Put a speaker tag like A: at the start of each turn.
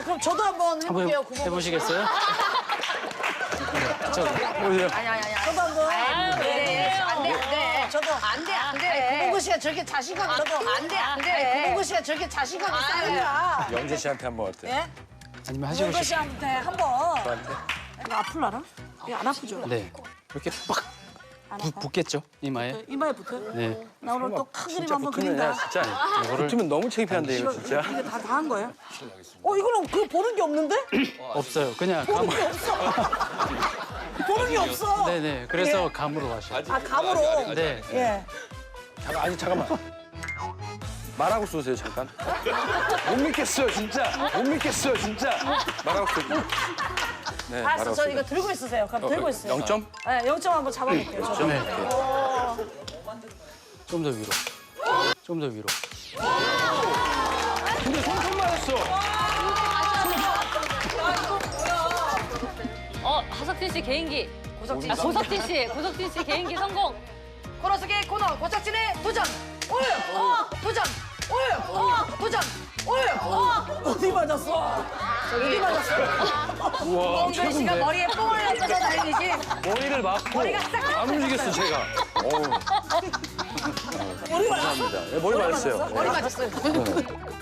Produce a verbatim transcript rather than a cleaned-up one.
A: 자, 그럼 저도 한번 해볼게요.
B: 한번 해보시겠어요? 저, 보세요.
C: 아니 아니 아니.
A: 저도 한번.
C: 안 돼. 안 돼. 안 돼.
A: 저도.
C: 안 돼. 안 돼.
A: 구봉구 씨가 저렇게 자신감이 저도.
C: 안 돼. 안 돼.
A: 구봉구 씨가 저렇게 자신감이 쌓이냐.
D: 영재 씨한테 한번 어때?
A: 예?
B: 아니면 하시고
A: 구봉구
B: 싶
A: 씨한테 한번.
D: 저한테?
A: 이거 아플라나? 이거 안 아프죠?
B: 네. 이렇게 빡
A: 안
B: 부,
A: 아파?
B: 붙겠죠? 이마에.
A: 이마에 붙어요?
B: 네.
A: 나 오늘 또 큰 그림
D: 진짜
A: 한번
D: 붙으면
A: 그린다.
D: 야, 진짜.
B: 이거를
D: 붙으면 너무 창피한데 이거
A: 이거,
D: 진짜.
A: 이게 다 다 한 거예요? 어, 이거는 그 보는 게 없는데?
B: 없어요. 그냥
A: 보는
B: 감.
A: 게 없어. 보는 게 없어.
B: 네네. 그래서 감으로 하셔요.
A: 아, 감으로.
B: 네.
A: 예.
D: 잠깐, 아니 잠깐만. 말하고 쏘세요 잠깐. 못 믿겠어요 진짜. 못 믿겠어요 진짜. 말하고 쏘세요. 네,
A: 알았어,
D: 말하고
A: 저
D: 쏘세요.
A: 이거 들고 있으세요. 그럼 들고 있어요.
D: 영 점?
A: 네, 영 점 한번 잡아볼게요. 저.
B: 네. 좀 더 위로. 좀 더 위로.
D: 근데 손톱 맞았어.
E: 어, 하석진 씨 개인기.
C: 고석진
E: 아, 고석진 씨, 고석진 씨 개인기 성공.
C: 코너 속의 코너 고석진의 도전. 오유. 어. 도전. 오유. 어. 도전. 오유. 어.
A: 어디 맞았어? 어디 맞았어?
D: 우와
C: 홍준 씨가
D: 최고인데.
C: 머리에 뽕을 넣어서 다행이지.
D: 머리를 막고
C: 머리가 싹
D: 안 움직였어 제가. 어우.
A: 머리 맞았어?
D: 감사합니다. 네, 머리 맞았어요.
C: 머리 맞았어요.